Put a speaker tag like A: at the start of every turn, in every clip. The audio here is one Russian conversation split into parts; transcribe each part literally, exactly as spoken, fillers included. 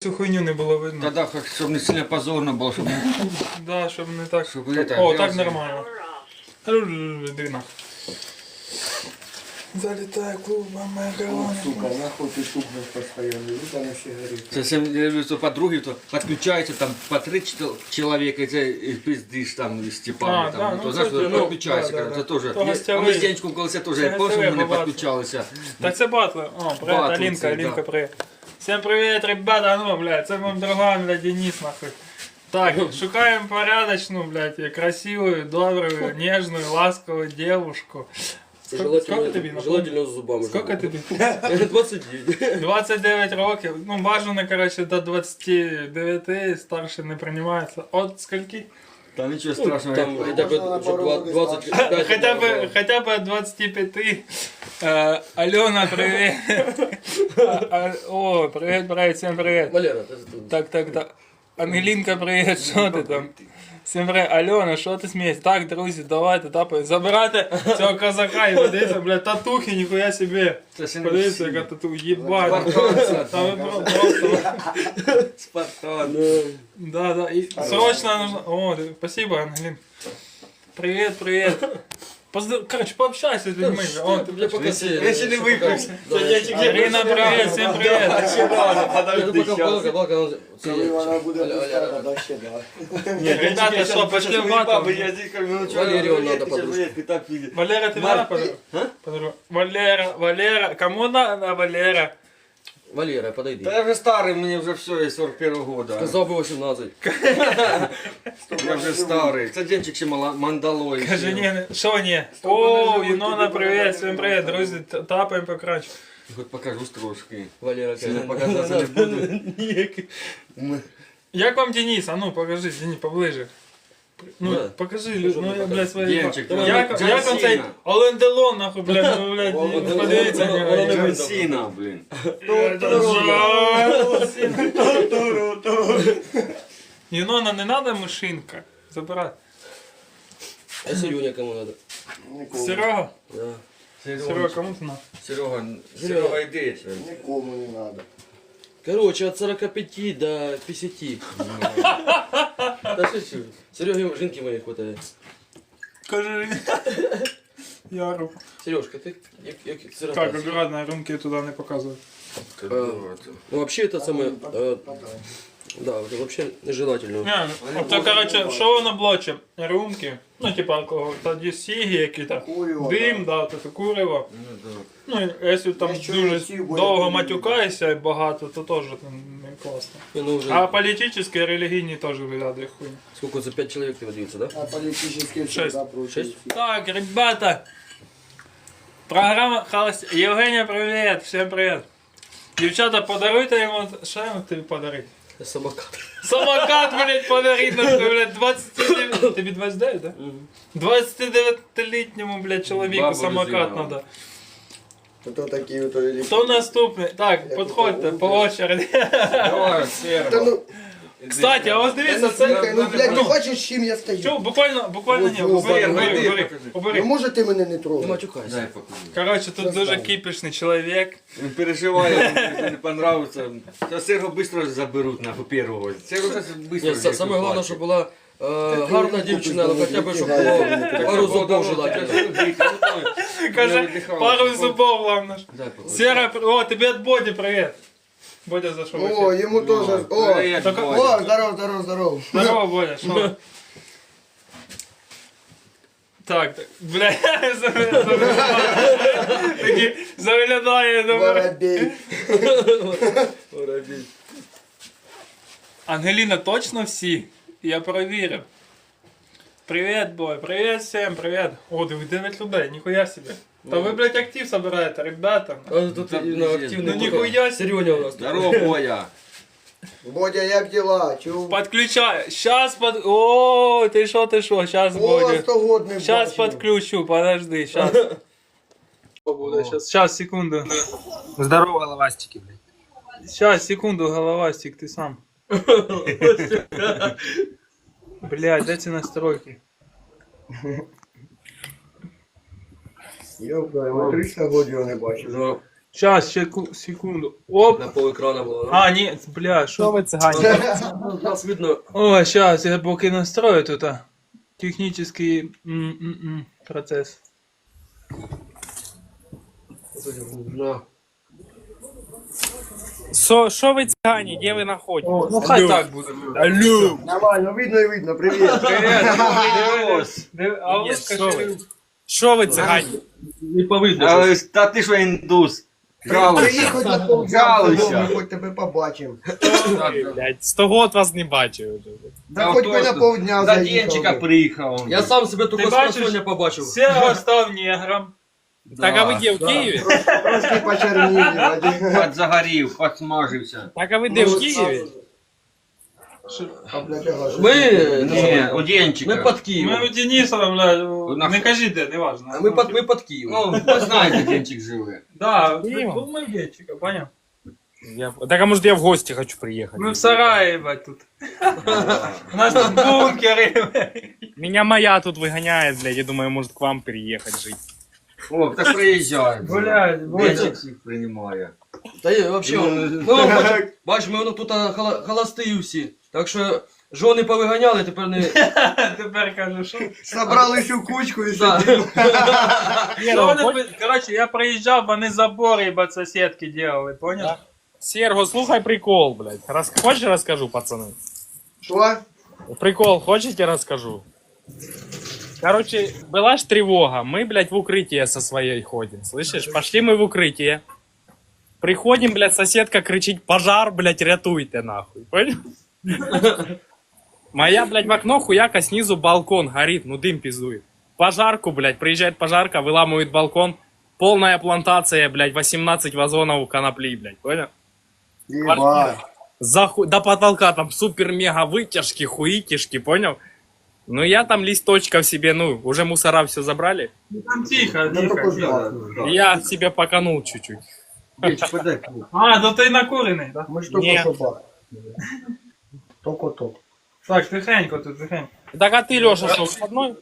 A: Цю хуйню не було видно.
B: Тогда, как, чтобы не сильно позорно было, чтобы...
A: Да, щоб не так.
B: Щоб это,
A: О, так
B: грязно.
A: нормально. Дина. Залетаю клубом макароны.
C: Сука, нахуй ты тухнешь постоянно, вот она все горит.
B: Совсем, я люблю, что подруги, то подключаются там по три чел- человека, и ты и пиздишь там и Степана,
A: А,
B: там,
A: да,
B: ну,
A: ну,
B: то, знаешь,
A: кстати,
B: то
A: ну,
B: подключайся,
A: да, да,
B: когда
A: да.
B: ты тоже.
A: То
B: А
A: гостєвий.
B: ми з Денчиком колись теж, я
A: Це
B: помню,
A: гостєвий
B: ми не
A: бабат.
B: підключалися.
A: Так це батли. О, привет,
B: Батли
A: Алинка,
B: це,
A: Алинка,
B: да.
A: привет. Всем привет, ребята, ну, блядь, це вам друга, блядь, Денис, нахуй. Так, шукаем порядочную, блядь, и красивую, добрую, нежную, ласковую девушку. Сколько, сколько тобі? напомни?
D: Желательно з зубами.
A: Сколько тобі?
D: двадцять дев'ять.
A: двадцять дев'ять років. Ну, бажано, короче, до двадцяти дев'яти, старше не приймається. От скільки?
B: Там нічого страшного.
D: Там
B: я-
D: хотя бы
C: Можно на пару
D: уже двадцать пять.
A: Хотя бы, хотя бы от двадцати пяти. Э, Алена, привет. А, а, О, привет, привет, всем привет.
D: Валера, ты тут.
A: Так, так, так. Ангелінка, привіт, що ти там? Всім привіт. Альона, що ти смієш? Так, друзі, давайте, тапай. Забирайте цього козака і подивіться, блядь, татухи, ніхуя собі.
B: Це ще не
A: Подивіться,
B: всі.
A: яка тату, їбать.
B: Спартанця.
A: Та ви про- просто...
B: Спартан.
A: Да, да, и срочно нужно... О, ты- спасибо, Ангелин. Привет, привет. Поздор... Короче, пообщайся с людьми. О, ты,
D: Я пока се-
B: Я ще не виключив.
A: Ирина, привет, всем привет.
D: Я пока балка, балка, он-
C: Коли вона буде
D: Аля,
C: пуста,
D: Аля,
C: тоді ще да.
A: Ребята, что, пошли в батл?
D: Валерию надо подружку.
A: Валера, ты
B: Мар-
A: надо подругу? Подругу. Валера, Валера, кому надо Валера?
D: Валера, подойди.
B: Да я вже старий, мені вже все, я сорок первого года.
D: Сказал бы восемнадцать.
B: Я вже старий. Це Денчик ще мала- мандалой.
A: Скажи, не, что не? О, Юнона, привет, всем привет, друзья, т- тапаем покрач.
B: Хоч покажу трошки.
D: Валера,
B: Сильно
D: конечно.
B: показатися не буду.
A: Як вам Денис? А ну, покажи, Денис, поближе. Ну,
D: Да.
A: покажи, лю- ну, я, блядь, свої...
B: Денчик,
A: Як,
B: давай.
A: як он цей
B: Джон
A: Олен Делон, нахуй, блядь, ну, блядь,
D: Олен Делон,
A: подивіться.
D: Олен-
A: на
D: Олен
A: нього.
D: Делон.
B: Сіна, блін.
A: Юнона, не надо мышинка, забирай.
D: А Сереня кому надо?
C: Нікому.
A: Серега,
D: Да.
A: Серега, кому ты надо?
B: Серега, Серега, йди.
C: Нікому не надо.
D: Короче, от сорока пяти до пятидесяти. Да что, Сереге жинки моей хватает.
A: Скажи. Яру.
D: Сережка, ты як, як сирота.
A: Так, аккуратно, румки туда не показывай.
D: Ну вообще это самое, э, да, это вообще нежелательно.
A: Не, це, короче, що воно блоче? Рюмки, ну, типа алкоголь, тоді сіги які-то,
C: Курево,
A: дим, да, таке курево. Ну, і якщо там
C: Якщо
A: дуже
C: ці буде
A: довго
C: курити.
A: матюкаєшся і багато, то теж не класно.
D: Не, ну уже,
A: А політичні і релігійні теж виглядає хуйня.
D: сколько, за пять человек ты водился, да?
C: А політичні
A: Шесть.
C: всегда проти.
D: Шесть?
A: Так, ребята, програма Холост... Євгенія, привіт, всім привіт. Дівчата, подаруйте йому, що йому тобі подарити?
D: Самокат.
A: Самокат, блядь, подарить, нахуй, блядь, двадцять дев'ять, тобі двадцять дев'ять, да? двадцятидев'ятилітньому, блядь, чоловіку
B: Бабу
A: самокат
B: розігнав.
A: надо.
C: То такі ото елі-
A: Хто наступний? Так, підходьте по очереді.
B: Давай,
C: Та
B: Серега.
C: ну,
A: Кстати, а ось
C: та
A: дивіться,
C: ну,
A: це...
C: слухай, ну, блядь,
A: Ну.
C: ти бачиш, з чим я стою?
A: Чо, буквально, буквально ні,
C: Ось,
A: убери,
C: ось,
A: убери,
B: ось,
A: убери,
B: покажи.
C: Ну
A: убери.
C: може ти мене не
D: Не
C: трогаєш?
D: матюкайся.
B: Дай покажу.
A: Короче, тут
C: Це
A: дуже
C: стало.
A: кипішний чоловік.
B: Він переживає, йому не понравиться. Зараз Серго швидко заберуть на первого. Серго зараз швидко.
D: Нет, са- самое главное, чтобы была э, гарна
C: купиш,
D: дівчина, ну
C: там,
D: хотя бы,
C: які
D: чтобы
C: гарні.
D: було пару зубов желательно.
A: Каже, пару зубов, главное. ж.
B: Дай покажу.
A: Сера, о, тобі від Боді привіт. Бодя зайшов. в
C: О,
A: ефір.
C: йому теж. О,
B: Привіт,
A: Так,
B: Бодя.
C: о, здоров, здоров, здоров.
A: Здорово, Бодя, що? Так, так, бля, такі заглядає, думаю.
C: Воробей.
A: Ангеліна, точно всі? Я перевірив. Привіт, бой, привіт всім, привіт. О, диви, дев'ять людей, ніхуя собі. Та ви, блядь, актив собираєте, ребята.
D: А тут именно активный.
A: Ну нихуя себе.
D: Сереня у нас. тут.
B: Здорово, Боя.
C: Бодя, як діла? Чув?
A: Подключаю. Сейчас под... О, ты шо, ты шо, сейчас
C: О,
A: будет.
C: сто год не
A: Сейчас
C: бачив.
A: подключу, подожди, сейчас. Сейчас, сейчас, секунду.
E: Здорово, головастики, блядь.
A: Сейчас, секунду, головастик, ты сам. Блядь, дайте настройки.
C: Йопта, я триста год його не бачив.
D: Ну,
A: Сейчас, секунду. Оп.
D: На пол екрана було.
A: А, ні, бля,
E: Що
A: що?
E: ви цигані?
D: Нас видно.
A: О, сейчас, я поки настрою тут а, технический м -м -м, процесс.
D: На.
E: Що що ви цигані? Де ви знаходитесь?
A: Ну хай так буде.
E: Алло!
C: Нормально, видно и видно, привет.
A: А
E: Ні,
A: ось
E: що ви? Що ви цигані?
D: Не повидно.
B: Але ж- Та ти що індус? Жалуйся.
C: Приїхав на повзяв,
B: Жалуйся.
C: ми хоч тебе побачимо.
E: Блядь, сто год вас не бачив. вже.
C: Да хоч би на полдня
B: За
C: заїхав.
B: Денчика
C: би.
B: приїхав.
D: Я сам себе тільки з
A: бачиш?
D: просоння побачив.
A: Серго став негром.
E: Так а ви де, в Києві?
C: Трошки почерніли, Вадим.
B: Подзагорів, подсмажився.
E: Так а ви де, в Києві?
C: А, блядь, ага, що
D: Ми,
B: Ні, у Денчика.
D: ми під
A: Ми
D: Києвом.
A: у Дениса, бля,
B: На-
A: не кажи де, не важно.
D: Ми під, ми під Києвом.
B: Ну, ви знаєте, де Денчик живе.
A: Да,
E: Києвом?
A: був ми в Денчика, понял?
E: Я... Так а может я в гости хочу приехать?
A: Ми в сараї, ебать, тут. У нас тут бункери.
E: Меня моя тут выгоняет, блядь, я думаю, может к вам переехать жить.
B: О, так приїжджай.
A: Блядь, Бодя.
B: Денчик всіх приймає.
D: Та є, вообще,
B: Ну,
D: ми вам бачимо, бач, ми воно тут а, хола- холості всі. Так що жони повиганяли, тепер не...
A: Тепер кажу, що?
C: Собрались у кучку і
D: Да.
C: сидимо.
A: Що вони пи- Коротше, я приїжджав, вони забори, ебать, сусідки делали, понял?
E: Серго, слухай прикол, блядь. Рас... Хочешь расскажу, пацаны?
C: Що?
E: Прикол, хочете расскажу? Короче, была ж тревога. Мы, блядь, в укрытие со своей ходим. Слышишь? Пошли мы в укрытие. Приходим, блядь, соседка кричит: пожар, блядь, рятуйте, нахуй. Понял? Моя, блядь, в окно хуяка, снизу балкон горит, ну дым пиздует. Пожарку, блядь, приезжает пожарка, выламывает балкон. Полная плантация, блядь, восемнадцать вазонов конопли, блядь, понял?
C: Єбать.
E: Заху... До потолка там супер-мега вытяжки, хуитишки, понял? Ну я там листочков себе, ну, уже мусора все забрали.
A: Там тихо,
C: Ну,
A: тихо,
C: только
A: тихо.
C: да.
E: Я себе поканул чуть-чуть.
B: Денчик, подай.
A: А, ну ти накурений, да?
C: Ми ж
E: Ні.
C: тільки що бахнули. Тільки то.
A: Так, тихенько тут, тихенько.
E: Так а ты, Леша, что, выходной?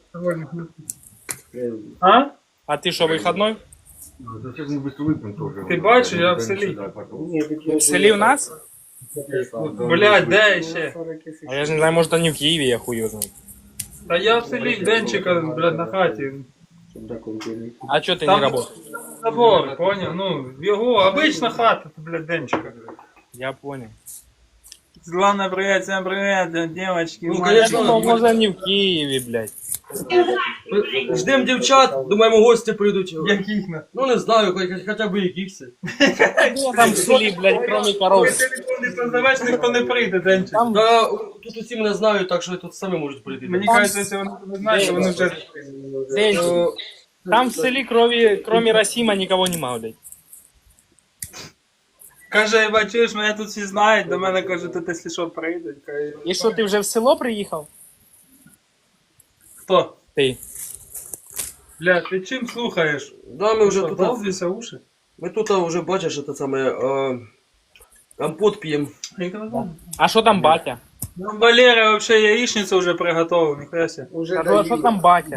A: А?
E: А ты что, выходной?
B: Сейчас мы быстро выпьем тоже.
A: Ти бачиш, я в селі.
E: В селе у нас?
A: Блядь, де ще?
E: А я же не знаю, может они в Киеве, я хуй его знаю.
A: Та я в селі Денчика, блядь, на хаті.
E: А что ты
A: Там-
E: не работаешь?
A: Забор, понял? Ну, його обична хата, блядь, Денчика.
E: Я понял.
A: Ладно, привет, всем привет, девочки.
D: Ну,
E: Я
D: конечно,
E: думал,
D: мы-
E: может они в Киеве, блядь.
D: Ждем дівчат, думаємо, гості прийдуть.
A: Яких на?
D: Ну не знаю, хоч- хоча б якихось.
E: Что там в селе, блядь, кроме коров?
A: Телефон не позовеш, ніхто не прийде, Денчик.
E: Там,
D: Та тут усі мене знають, так що тут самі можуть прийти.
A: Мені кажеться, якщо вони не знають, то вони вже...
E: Денчик, там в селе кроме, кроме Расима никого нема, блядь.
A: Каже, бачиш, мене тут всі знають, до мене каже, тут якщо що прийдуть. Каже,
E: И что, ты уже в село приехал?
A: хто?
E: Ты.
A: Бля, ти чим слухаєш?
D: Да, ми вже
A: Що,
D: тут.
A: долбіся уші?
D: Ми тут вже бачиш, це саме е, компот п'ємо.
E: А что там батя?
A: Нам Валера вообще яичницу уже приготовил, нихуя себе.
C: Уже
E: А то, что там батя?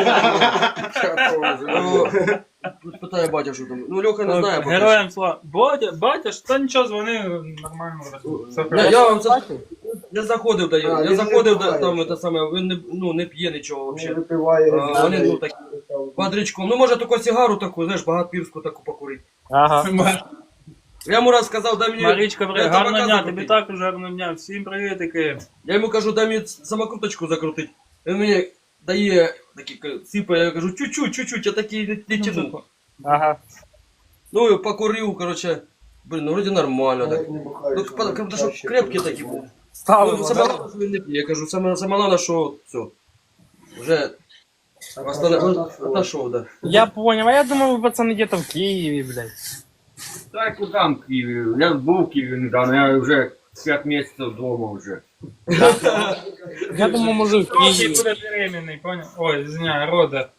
D: Е, Тут питає батя, що там. Ну Льоха не знає, поки що.
A: Героям слава. Батя, батя, ж та нічого, дзвони нормально. Все
D: Я,
A: хорошо.
D: я вам це я заходив, да,
C: А,
D: я
C: він
D: заходив
C: не
D: да,
C: буває.
D: там це саме, він не, ну, не п'є нічого
C: Не
D: взагалі.
C: випиває.
D: А, вони ну такі бодрячком. Ну може тільки сигару таку, знаєш, багатпірську таку покурити.
E: Ага.
D: Я йому раз сказав, дай мені.
A: Марічка,
D: дай
A: привіт,
D: табака
A: гарного дня,
D: закрутити.
A: тобі також гарного дня. Всім привітики.
D: Я йому кажу, дай мені самокруточку закрутити. Він мені дає такі сипає, я кажу, чуть-чуть, чуть-чуть, я такий не, не тяну.
E: Ага.
D: Ну і покурив, короче. Блін, ну вроді нормально так. Ну, потому що крепкі такі були. Ну,
E: Стало.
D: саме головне, що він не п'є. Я кажу, саме, саме головне, що все. Вже отошов, да.
E: Я понял, а я думал, вы, пацаны, где-то в Киеве, блядь.
B: Так, куди в Києві? Я був в Києві недавно, я вже п'ять місяців вдома вже.
E: Я думал, может, в
A: Трохи
E: Киеве.
A: буде беременний, понял? Ой, извиняй, рода.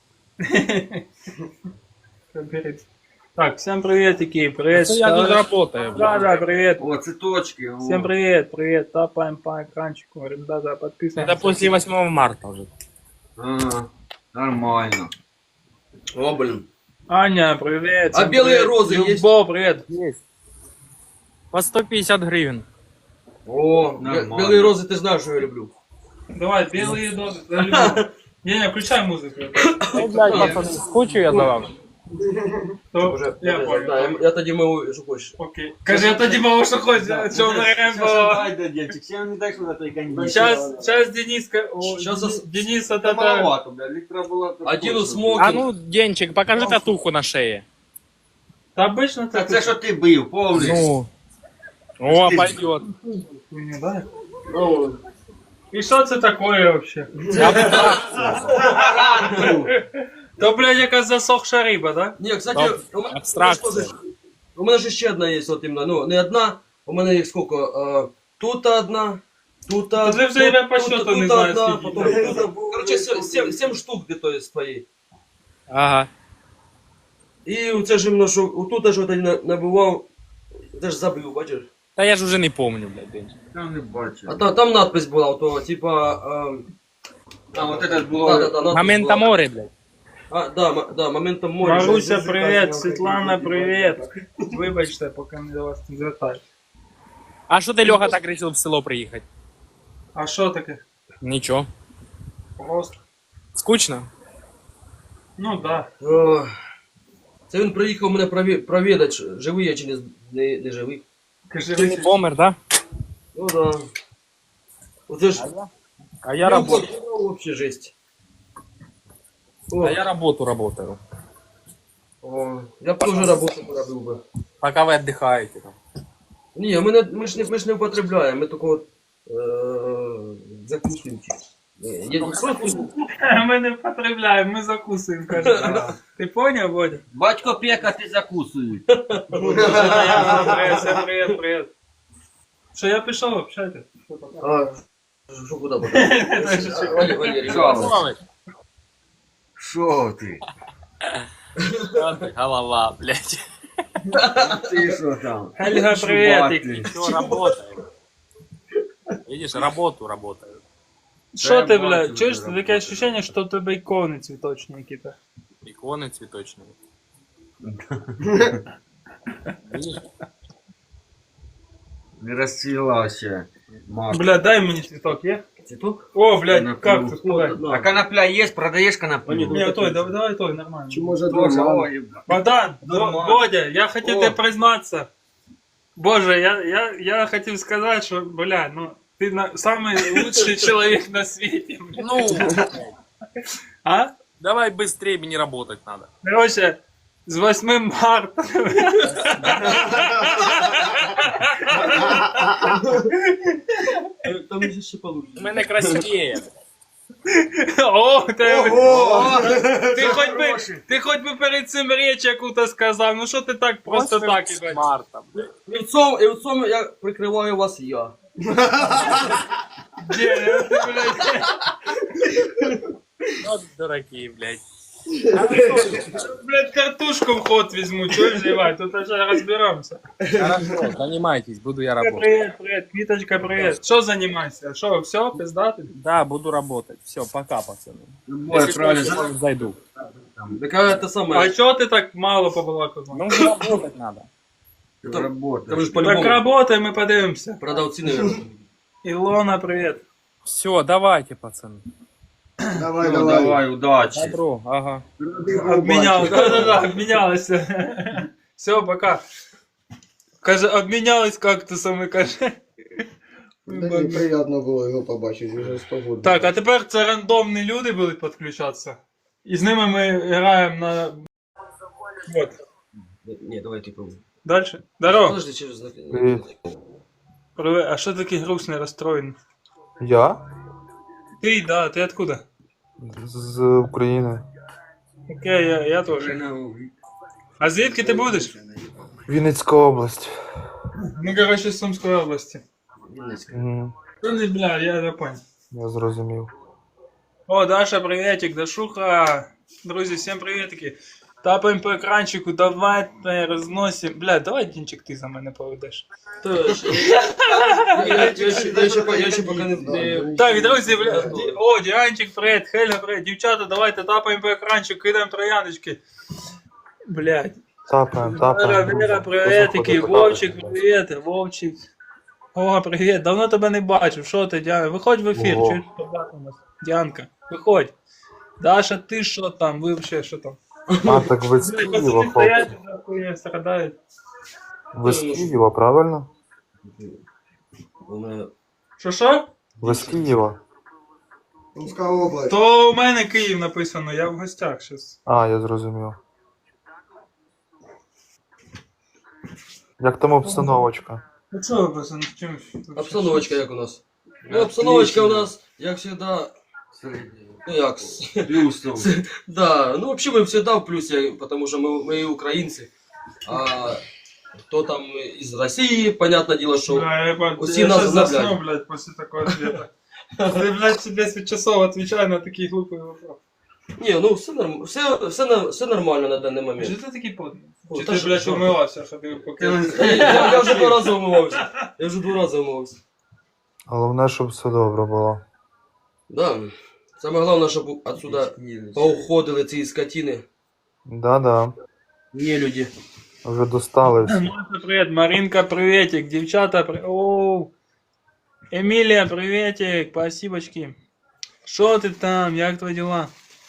A: Так, всем приветики, привет.
E: Это я тут работаю,
A: Да,
E: блядь.
A: да, привет.
B: О, цветочки. о.
A: Всем привет, привет, тапаем по экранчику, ребята, подписываемся.
E: Это после восьмого марта уже.
B: А, нормально.
D: О, блін.
A: Аня, привет.
D: А
A: всем
D: белые
A: привет.
D: розы есть?
A: Любовь, привет.
E: Есть. По сто пятьдесят гривен.
D: О,
B: Нормально.
D: белые розы, ты знаешь, что я люблю.
A: Давай, белые дозы. за любовь. Не, не, включай музыку.
E: Ну, блядь, пацаны, скучу я за вами.
A: То-
D: Уже,
A: Я
D: да,
A: понял.
D: я, я тоді мову, що хочеш.
A: Окей. Кажи, я тоді мало що хочеш. Що на Рембо.
B: Дай, да, Денчик, сейчас не дай сюда той коньяк.
A: Сейчас, сейчас Дениска. О,
D: Щас ос-
A: Денис, это
B: Это маловато, бля, литра было...
D: Один у
E: А
D: смокинг.
E: ну, Денчик, покажи татуху на шее.
A: Та обично
B: Та
A: так.
B: це що ти бив, помниш?
E: Ну. О, пойдет.
A: Хуйню, да? И что это такое вообще? То, блядь, якась засохша риба, да?
D: Ні, кстати,
E: Там
D: у мене,
E: абстракція.
D: у мене ж ще одна є, от іменно, ну, не одна, у мене їх скільки, е, тут одна, тут одна,
A: Ти вже я по
D: тут-
A: счету
D: тут
A: не знаю,
D: одна,
A: скільки.
D: потім, короче, сім, сім штук где-то є твої.
E: Ага.
D: І це ж іменно, що отут ж я набивав, це ж забив, бачиш?
E: Та я ж уже не помню, блядь, Денчик.
B: Я не бачу.
D: А там, там надпись була, то, типа, е,
B: А вот это
D: да,
B: було...
D: да, да, надпись
E: Момента
D: була.
E: море, блядь.
D: А, да, м- да, моментом моря.
A: Маруся, привет. Світлана, привет. Вибачте, поки не до вас не звертаюсь.
E: А що ти, Льоха, так решил в село приїхати?
A: А що таке?
E: Нічого.
A: Просто.
E: Скучно?
A: Ну да.
D: О, це він приїхав мене прові- провідати, чи живий я чи не, не, не живий.
A: Кажи,
E: Ти не помер, да?
D: Ну да. Оце ж...
E: А я работаю.
D: Вообще жесть. О,
E: А я работу работаю.
D: о, я б теж роботу поробив би.
E: Пока ви віддихаєте там.
D: Ні, ми, не, ми, ж не, ми ж не употребляємо, ми тільки от, е, закусуємо. Ні, є просто...
A: ми не потребляємо, ми закусуємо, каже. Ти поняв, Бодя?
B: Батько пека, ти закусуй.
A: Привет, привет, привет. Що, я пішов, общайтесь.
D: А, що куди буде? Валерій, Валерій,
B: Що? Що ти?
E: Голова, блядь.
B: Ти що там?
A: Хельга, привет.
E: Все, работаю. Видишь, работу работаю.
A: Що ти,
B: я
A: бля,
B: бачу,
A: чуєш,
B: ти
A: таке
B: работаєш.
A: ощущение, що в тебе ікони цвіточні якісь.
E: Иконы цветочные. Видишь?
B: Не розцвіла ще. Марк.
A: Бля, дай мені цвіток, є?
D: Цветок?
A: О, блядь,
B: На
A: кактус,
D: Ну,
A: куди?
D: да.
B: А конопля є? Продаєш коноплю?
A: Ні, той, давай, давай той, нормально.
C: Чи може
B: Тоже,
C: два?
B: ой,
A: Богдан,
B: Нормально.
A: Бодя, я хотів
B: О.
A: тебе признатися. Боже, я, я, я хотів сказати, що, бля, ну, ти на, самый лучший чоловік на світі. бля.
E: Ну,
A: А?
E: давай быстрее, мне работать надо.
A: Короче, з восьмим марта.
D: Там же ще получше.
E: У мене красивее.
A: О, ти,
B: Ого!
A: ти, хоч би, ти хоч би перед цим річ яку-то сказав, ну що ти так просто так ібать?
E: Марта, блядь.
D: І в цьому, і в цьому я прикриваю вас я.
A: Де, ти, блядь.
E: Вот дураки, блядь.
A: Блядь, картошку в ход візьму, чого вживай, тут вже розберемося.
E: Хорошо, занимайтесь, буду я работать.
A: Привет, привет, Квіточка, привет. Що займайся? Що, все, пиздати?
E: Да, буду работать. Все, пока, пацаны.
B: Ой,
E: Если
B: правильно.
E: что, может, зайду.
D: Так а це
A: А
D: саме.
A: чого ти так мало побалакав?
E: Ну, работать надо.
B: Ти
D: Там
B: работаєш.
D: ж
A: Так
D: по-любому
A: работай, ми подивимося.
D: продавці, наверное.
A: Ілона, привет.
E: Все, давайте, пацаны.
C: Давай,
B: Ну,
C: давай.
B: давай, удачі.
E: Добро, ага.
A: Обміняли, да-да-да, обмінялися. Все, пока. Каже, обмінялись кактусами, каже.
C: Мені приємно було його побачити, вже з погоди.
A: Так, а тепер це рандомні люди будуть підключатися. І з ними ми граємо на... Вот.
D: Ні, давай ти пробуй.
A: Дальше. Здорово.
D: Подожди, через...
A: Привет. А що такий грустний, розстроєний?
F: Я?
A: Ти, да, ти откуда?
F: З України.
A: Окей, я, я теж. А звідки ти будеш?
F: Вінницька область.
A: Ну, короче, з Сумської області.
F: Мгм,
A: Ну, не, бля, я не понял.
F: я зрозумів.
A: О, Даша, приветик, Дашуха. Друзі, всім приветики. Тапаємо по екранчику, давайте розносимо. Бля, давай, Дінчик, ти за мене поведеш.
D: Я ще- я ще- я ще по- я ще поки не... не-
A: Так, друзі, бля, ді- о, Діанчик, привет, Хеля, привет, дівчата, давайте тапаємо по екранчику, кидаємо трояночки. Блядь.
F: Тапаємо,
A: Вера,
F: тапаємо.
A: Вера,
F: друзі.
A: привіт,
F: Хто
A: який
F: заходить,
A: Вовчик,
F: потапайте.
A: привіт, Вовчик. О, привіт, давно тебе не бачив, що ти, Діана? Виходь в ефір,
F: Ого.
A: чуєш, побачимось. Діанка, виходь. Даша, ти що там, ви взагалі що там?
F: А, так ви з
A: Блядь,
F: Києва,
A: пацани стоять,
F: хлопці.
A: нахуй, страдають.
F: Ви з Києва, правильно?
D: У мене...
A: Що, що?
F: Ви з Києва.
C: Сумська область.
A: То у мене Київ написано, я в гостях щас.
F: А, я зрозумів. Як там обстановочка?
A: Ну що ви просто чимось?
D: Обстановочка як у нас? Ну, обстановочка у нас, як всегда,
B: Средний.
D: ну як,
B: Плюс там.
D: да, ну вообще мы всегда в плюсе, потому что мы, мы украинцы, а кто там из России, понятное дело, что
A: Да, я, по-
D: усі
A: я
D: нас
A: сейчас засну,
D: заблядь.
A: блядь, после такого ответа. Ты, блядь, себе десять часов отвечай на такие глупые вопросы.
D: не, ну все, норм... все, все, на- все нормально на данный
A: Чи
D: момент.
A: ти такий потний?
D: О,
A: Чи
D: та
A: ти,
D: що,
A: блядь,
D: що?
A: умивався, ходив поки...
D: Я, я, я вже два рази умивався. Я вже два рази умивався.
F: Головне, щоб все добре було.
D: Да. Саме головне, щоб отсюда поуходили ці скотини.
F: Да-да.
D: Не люди.
F: Вже достали всі.
A: Маша, привіт, Маринка, приветик, дівчата, при... Оу. Емілія, приветик, спасибочки. Що ти там, як твої діла?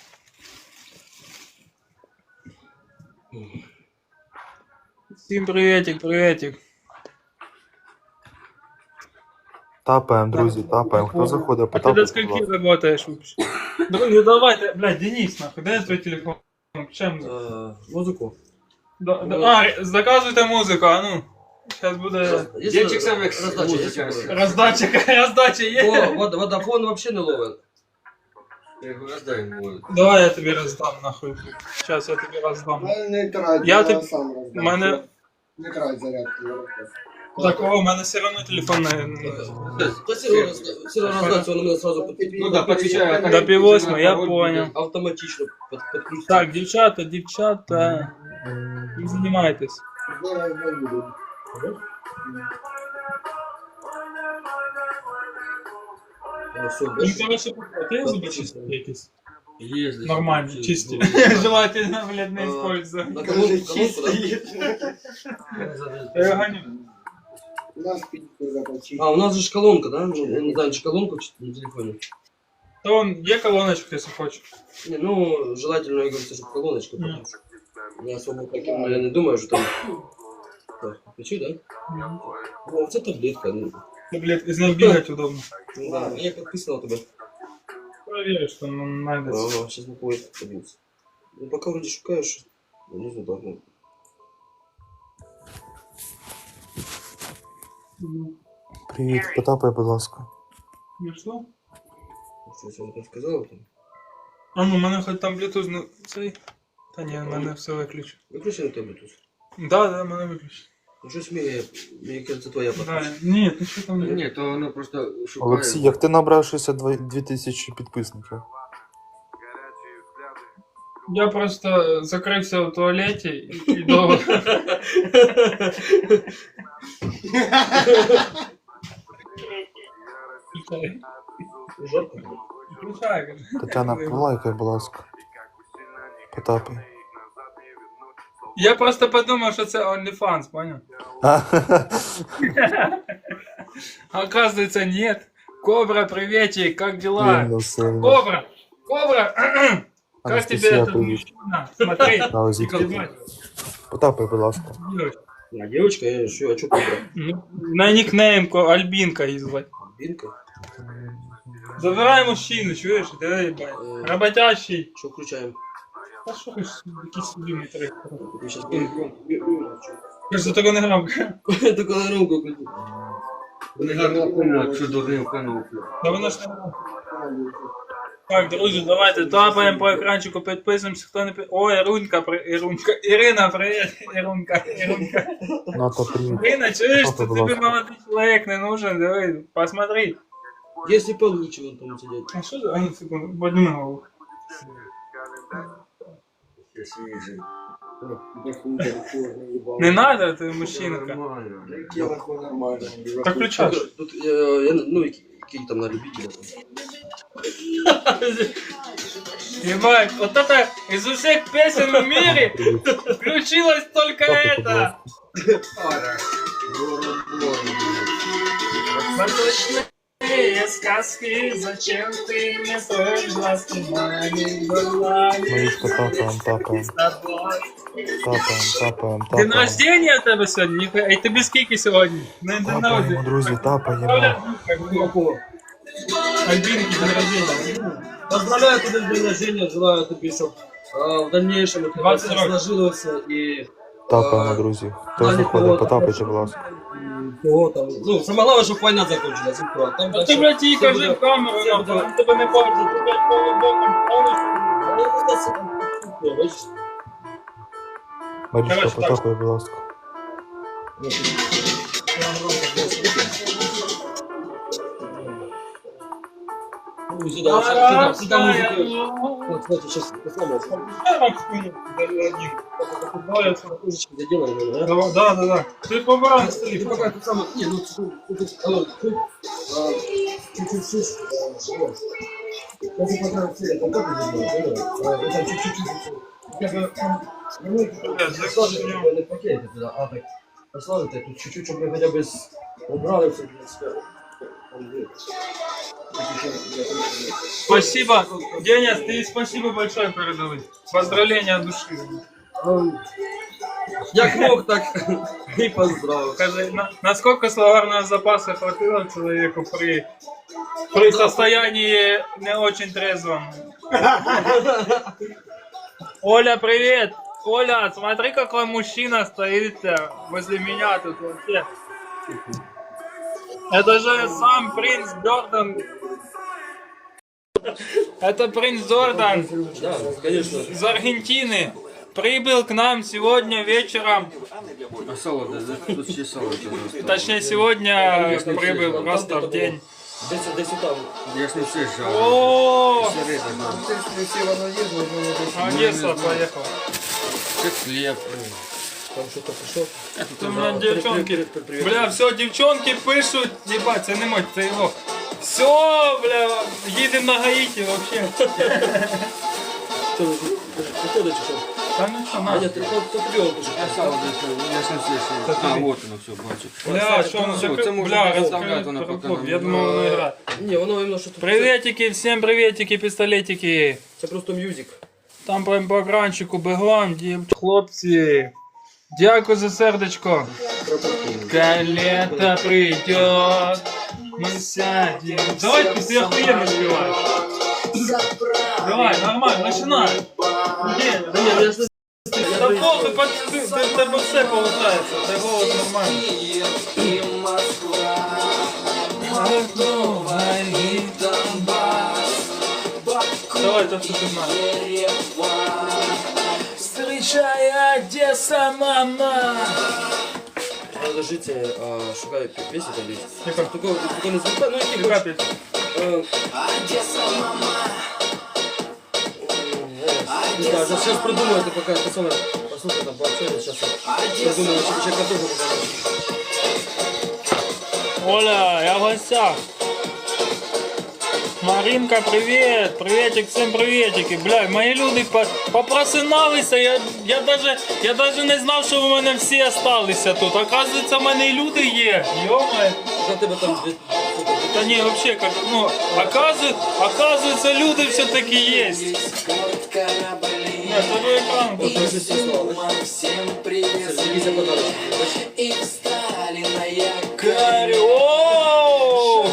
A: Всім приветик, приветик.
F: Тапаємо, друзі, тапаємо. Хто заходить,
A: А ти до
F: потапайте, будь
A: скольки
F: ласка.
A: работаешь вообще? Друзі, давайте, блядь, Денис, нахуй, дай твій телефон. Чем?
D: Е, Музику.
A: Да, да, а, заказуйте музику, а ну. Сейчас буде
B: Денчик сам як
D: роздача,
B: музика.
D: є.
A: роздача, роздача є.
D: О, вод- водофон вообще не ловен.
B: Я його роздай йому.
A: Давай я тобі роздам, нахуй. Сейчас я тобі роздам.
C: Ну, не трать,
A: Я
C: я
A: ти-
C: сам роздам.
A: мене-
C: Не трать зарядку. я розкажу.
A: Так, о, у мене все одно телефон не...
D: Да Серега розда- Серега роздається, він мене сразу під-
B: Ну да, подвечаю.
A: До пів восьми, я понял.
D: автоматично під- підключиться.
A: Так, дівчата, дівчата, не займайтесь.
C: Зараз не буду.
D: Ну, все,
A: Ну,
D: бачиш?
A: короче, ти зуби чисті якісь?
B: Є здесь.
A: Нормальні, чисті. Желательно, блядь, не используй.
D: На
C: Кажи,
D: колонку, колонку,
C: чистий.
A: Я його гоню.
C: У нас підку започить.
D: да? А, у нас же ж колонка, да? Ну, я не знаю, чи колонку чи на телефоне.
A: То он є колоночка, якщо хочеш.
D: Не, ну, желательно, я говорю, чтобы колоночка,
A: Мгм.
D: потому что я особо таким, я не думаю, что там... Так, включи, да? Ну, це таблетка, ну,
A: Ну, блядь, із нею бігати удобно.
D: ну, да, я подписал тебя.
A: Проверю, що ну, найдеться.
D: Ага, сейчас на поезд подивился. Ну, пока вроде шукаешь, ну, не знаю, так, ну.
F: Привіт, потапай, будь ласка.
A: Ну що?
D: Что я там сказал? Там?
A: А ну, у мене хоч там Bluetooth, ну, цей. Та ні, в мене все виключено.
D: Выключи на тебе тут.
A: Да, да, в мене виключено.
D: Ну, что смея, мне кажется, твоя
A: Да,
D: подписка.
A: ні, ти що там не...
B: Ні, то воно просто шукає.
F: Олексій, як ти набрав шістдесят дві тисячі підписників?
A: Я просто закрився в туалеті і, і довго... Включай.
D: Жарко?
A: Включай, кажу.
F: Тетяна, полайкай, будь ласка. Потапай.
A: Я просто подумав, що це OnlyFans, понял? А оказывается, нет. Кобра, приветик, как дела?
F: Блін, сильно.
A: Кобра! Кобра! Как тебе
F: Анастасія,
A: этот
F: привіт.
A: мужчина? Смотри.
F: На ось
A: Николай,
F: Потапай, будь ласка.
D: А, девочка, я что, а что кобра?
A: ну, на никнейм ко- Альбинка її звати.
D: Бинка?
A: Забирай мужчину, чуєш? Давай, ебать. Работящий.
D: Что включаем?
A: А що ж, якийсь любимий трек.
D: Я сейчас
A: Кажется, такого не грав.
D: Только на громко крути.
B: Вони гарно помнять, що дурним кануплю.
A: Та воно ж не грав. Так, друзі, давайте тапаємо по екранчику, підписуємося, хто не під... О, Ірунька, при... Ірунька, Ірина, привіт, Ірунька, Ірунка.
F: Ната, привіт.
A: Ірина, чуєш,
F: Папа,
A: ти
F: будь
A: тобі
F: ласка.
A: молодий чоловік не нужен, давай, посмотри.
D: Если получше вон там сидеть.
A: А що за... А, ну, секунду, подніми голову.
B: Я свіжий.
A: Не надо, ти мужчинка.
B: Нормально.
C: Я нахуй нормально.
A: Так включай.
D: Тут, э, я, ну, и какие там на любителя. Там.
A: Ебать, вот это из всех песен в мире включилось только это. Восточные сказки, зачем ты мне строишь глазки моими глазами?
F: Марічка, тапаем, тапаем, тапаем, тапаем,
A: День
F: тапаем.
A: рождения у тебе сьогодні? Ніхуя. І тобі скільки сьогодні? На день
F: Тапаємо,
A: народження.
F: друзі, тапаємо.
A: Альбинки, день рождения.
D: Поздравляю тебя с днем рождения, желаю тебе, чтобы в дальнейшем это
A: двадцать
D: все
A: років.
D: сложилось и
F: Тапаємо, друзі. Хто заходить, потапайте, будь ласка.
D: кого там. Ну, самое главное, чтобы война закончилась. и всё. А там
A: А
D: дальше
A: ти, блядь, їй
D: все
A: кажи
D: буде-
A: в камеру,
D: все
A: нахуй,
D: буде-
A: він тебе не бачить, ти, блядь, полубоком повністю.
D: Ну, это всё- ну, бачиш?
F: Марічка,
A: Короче, так.
F: потапай, будь ласка.
D: Ну, сюда, сюда, сюда музыку. Вот, смотри, сейчас сломался. Заделаем его, да?
A: Да, да, да. Ти побирай
D: Ты
A: столі.
D: пока тут самое... Не, ну, чуть-чуть, чуть-чуть, алло, чуть, а, чуть-чуть, чуть, а, вот. Если пока все это так и сделать, понял? А, вот там чуть-чуть, чуть-чуть. Как бы, ну, сложить его на пакете туда, а так, посложить, тут чуть-чуть, чтобы мы хотя бы с- убрали все, в принципе. Там, где-
A: Спасибо. Денис, ты спасибо большое передали. Поздравления от души.
D: Ну, Як мог, так и поздравил.
A: Скажи, на- насколько словарного запаса хватило человеку при, при состоянии не очень трезвом? Оля, привет! Оля, смотри, какой мужчина стоит э, возле меня тут вообще. Это же сам принц Джордан. Это принц Джордан
D: Да, конечно.
A: из Аргентины. Прибыл к нам сегодня вечером.
B: А сало, да, да, тут ще сало. це
A: Точнее, сегодня прибыл просто в день.
D: Десь, десь там.
B: Я ж не все жав.
A: О,
B: Середина.
C: Если воно є, можна не десь.
A: Одесса поехал.
B: Це хліб.
D: Там что-то пришло.
A: Ты, бля, девчонки, бля, все, девчонки пишут, ебать, це не мой, це його. Все, бля, їдемо на Гаїті вообще.
D: Что, приходит что?
A: Та ну що,
D: А
A: на.
D: нет, то то прием пишет.
B: А сало, да, я ж не все ще. А, вот воно все, бачу.
A: Бля, що воно
B: Все, це
A: закрив?
B: можна
A: Бля,
B: розставляти воно поки
A: розкрив.
B: нам.
A: Я думав, воно грає.
D: Не, воно именно что-то...
A: Приветики, всім приветики, пістолетики.
D: Это просто мюзик.
A: Там прям по екранчику бегом, дів... Хлопці. Дякую за сердечко. Когда лето придет, мы сядем. Давай, ты охуенно спеваешь. Давай, нормально, начинай. Где?
D: Да нет, я ж...
A: Да похуй, под... ты, ты, тебе все получается, ты голос нормальный. Давай, то, что ты знаешь. Встречай, Одесса, мама.
D: Надо жить, а, шукаю песни там есть.
A: Тихо.
D: Только, только не звука, ну и
A: Какая
D: типа...
A: песня?
D: э, Не знаю, сейчас, сейчас придумаю, это пока это самое... Послушай, там пообщаюсь, сейчас я придумаю, что человека тоже покажу.
A: Оля, я в гостях. Маринка, привет! Приветик, всім приветики. Бля, мої люди по- попросиналися, я, я, даже, я даже не знав, що в мене всі осталися тут. Оказується, в мене і люди є. Йомай.
D: За тебя там две...
A: Та ні, вообще, как, ну, оказується, оказується, люди все-таки є. Ні, це ви екран.
D: Вот уже все слова, да? Сергей за подарок.
G: И встали на якорь.
A: Карі, о!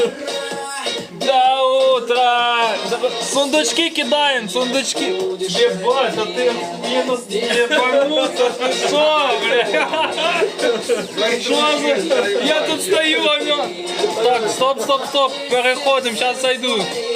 A: До утра! Сундучки кидаем, сундучки! Ебать, а ты минус ебануться, ты шо, бля? Шо за... Я тут стою, а меня... Так, стоп, стоп, стоп, переходим, сейчас зайду.